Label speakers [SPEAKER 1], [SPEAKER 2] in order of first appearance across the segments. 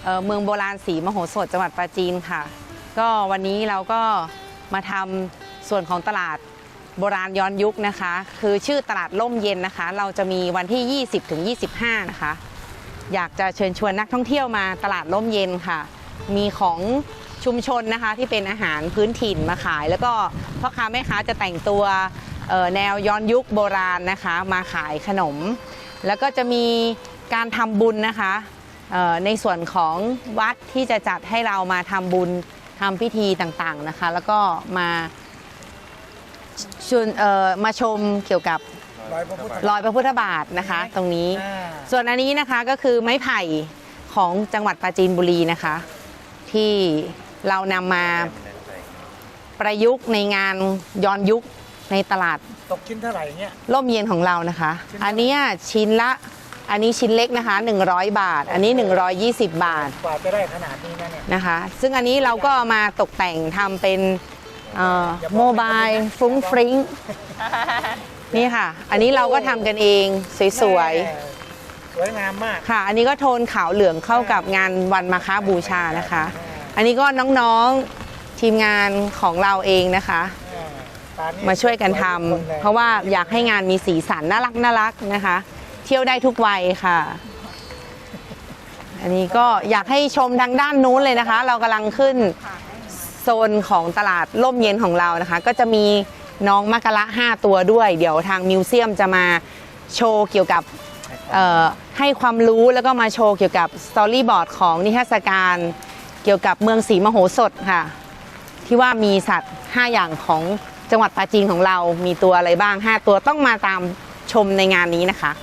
[SPEAKER 1] เมืองโบราณศรีมโหสถจังหวัดปราจีนค่ะก็วันนี้เราก็มาทำส่วนของตลาดโบราณย้อนยุคนะคะคือชื่อตลาดร่มเย็นนะคะเราจะมีวันที่ 20-25 นะคะอยากจะเชิญชวนนักท่องเที่ยวมาตลาดร่มเย็นค่ะมีของชุมชนนะคะที่เป็นอาหารพื้นถิ่นมาขายแล้วก็พ่อค้าแม่ค้าจะแต่งตัวแนวย้อนยุคโบราณนะคะมาขายขนมแล้วก็จะมีการทำบุญนะคะในส่วนของวัดที่จะจัดให้เรามาทำบุญทำพิธีต่างๆนะคะแล้วก็มาชมเกี่ยวกับรอยพระพุทธบาทนะคะตรงนี้ส่วนอันนี้นะคะก็คือไม้ไผ่ของจังหวัดปราจีนบุรีนะคะที่เรานำมาประยุกต์ในงานย้อนยุคในตลาด
[SPEAKER 2] ตกชิ้นเท่าไหร่เนี่ย
[SPEAKER 1] ร่มเย็นของเรานะคะอันนี้ชิ้นเล็กนะคะ100 บาทอันนี้120 บาท
[SPEAKER 2] กว่าจะได้ขนาดนี้
[SPEAKER 1] นะคะซึ่งอันนี้เราก็มาตกแต่งทำเป็นโมบายฟรุ้งฟริ้งนี่ค่ะอันนี้เราก็ทำกันเองสวย
[SPEAKER 2] งามมาก
[SPEAKER 1] ค่ะอันนี้ก็โทนขาวเหลืองเข้ากับงานวันมาฆบูชานะคะอันนี้ก็น้องๆทีมงานของเราเองนะคะมาช่วยกันทำเพราะว่าอยากให้งานมีสีสันน่ารักนะคะเที่ยวได้ทุกวัยค่ะอันนี้ก็อยากให้ชมทางด้านนู้นเลยนะคะเรากำลังขึ้นโซนของตลาดร่มเย็นของเรานะคะก็จะมีน้องมะกะละ5 ตัวด้วยเดี๋ยวทางมิวเซียมจะมาโชว์เกี่ยวกับให้ความรู้แล้วก็มาโชว์เกี่ยวกับสตอรี่บอร์ดของนิทรรศการเกี่ยวกับเมืองศรีมโหสถค่ะที่ว่ามีสัตว์5 อย่างของจังหวัดปราจีนของเรามีตัวอะไรบ้าง5 ตัวต้องมาตามชมในงานนี้นะคะ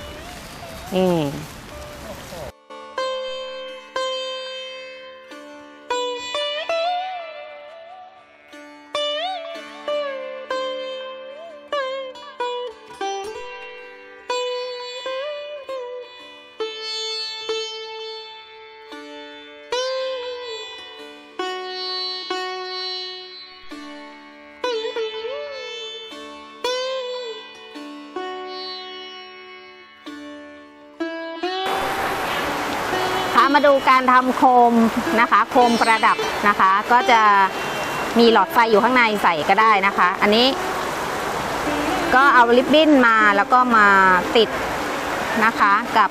[SPEAKER 3] มาดูการทำโคมนะคะโคมประดับนะคะก็จะมีหลอดไฟอยู่ข้างในใส่ก็ได้นะคะอันนี้ก็เอาริบบิ้นมาแล้วก็มาติดนะคะกับ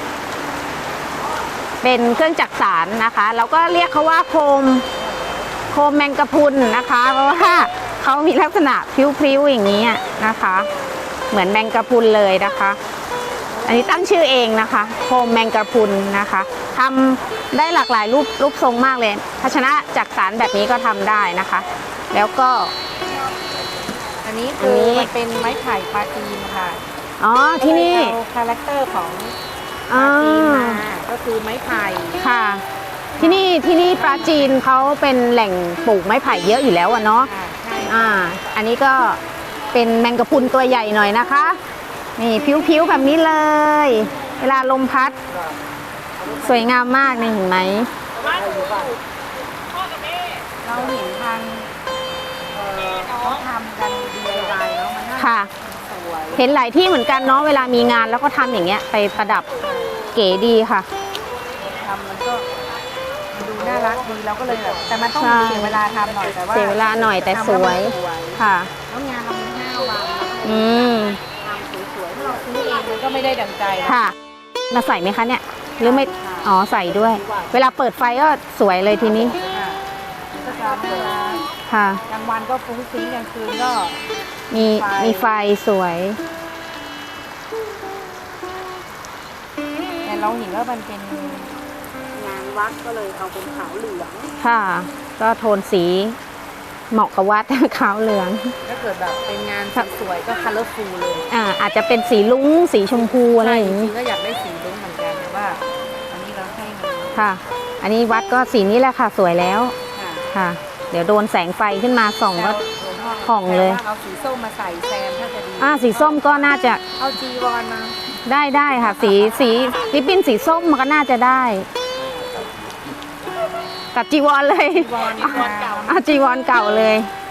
[SPEAKER 3] เป็นเครื่องจักสานนะคะแล้วก็เรียกเขาว่าโคมแมงกะพรุนนะคะเพราะว่าเขามีลักษณะพลิ้วๆอย่างนี้นะคะเหมือนแมงกะพรุนเลยนะคะอันนี้ตั้งชื่อเองนะคะโคมแมงกะพรุนนะคะทำได้หลากหลายรูปทรงมากเลยภาชนะจักสานแบบนี้ก็ทำได้นะคะแล้วก็
[SPEAKER 1] อันนี้คือมันเป็นไม้ไผ่ปราจีนค่ะ
[SPEAKER 3] อ๋อที่นี่
[SPEAKER 1] คาแรคเตอร์ของปราจีนมาก็คือไม้ไผ่
[SPEAKER 3] ค่ะที่นี่ปราจีนเขาเป็นแหล่งปลูกไม้ไผ่เยอะอยู่แล้วเนาะอันนี้ก็เป็นแมงกะพรุนตัวใหญ่หน่อยนะคะนี่ผิวๆแบบนี้เลยเวลาลมพัดสวยงามมากนี่เห็นไหม
[SPEAKER 1] เราเห็นทางเขาทำกัน DIY แล้วมันน่า
[SPEAKER 3] ค่ะเห็นหลายที่เหมือนกันเนาะเวลามีงานแล้วก็ทำอย่างเงี้ยไปประดับเก๋ดีค่ะ
[SPEAKER 1] ทำมันก็ดูน่ารักดีเราก็เลยแบบแต่มันต้องเสียเวลาทำหน่อยแต่ว่า
[SPEAKER 3] เสียเวลาหน่อยแต่สวยค่ะ
[SPEAKER 1] แล้วงานเรามี5 วันทำสวยๆถ้าเราซื้อเองมันก็ไม่ได้ดังใจ
[SPEAKER 3] ค่ะมาใส่ไหมคะเนี่ยหรือไม่อ๋อใส่ด้วยเวลาเปิดไฟก็สวยเลยทีนี้ค่ะ
[SPEAKER 1] กลางวันก็ฟุ้งฟิ้งกลางคืนก็
[SPEAKER 3] มีไฟสวย
[SPEAKER 1] แต่เราเห็นว่ามันเป็นงานวัดก็เลยเอาเป็นขาวเหลือง
[SPEAKER 3] ค่ะก็โทนสีเหมาะกับวัดขาวเหลือง
[SPEAKER 1] ถ้าเกิดแบบเป็นงานสวยก็คัลเลอร์ฟูลเลย
[SPEAKER 3] อาจจะเป็นสีลุ้งสีชมพูอะไรอย่างนี้
[SPEAKER 1] ก็อยากได้สีลุ้งเหมือนกันแต่ว่าอันนี้เราให้
[SPEAKER 3] ค่ะอันนี้วัดก็สีนี้แหละค่ะสวยแล้วค่ะเดี๋ยวโดนแสงไฟขึ้นมาส่องก็ผ่องเลย
[SPEAKER 1] เอาสีส้มมาใส่แซมถ้าจะดี
[SPEAKER 3] สีส้มก็น่าจะ
[SPEAKER 1] เอาจีวรมา
[SPEAKER 3] ได้ค่ะสีริบบิ้นสีส้มมันก็น่าจะได้กับจีวรเลย
[SPEAKER 1] จีวรเก่า
[SPEAKER 3] จีวรเก่าเลย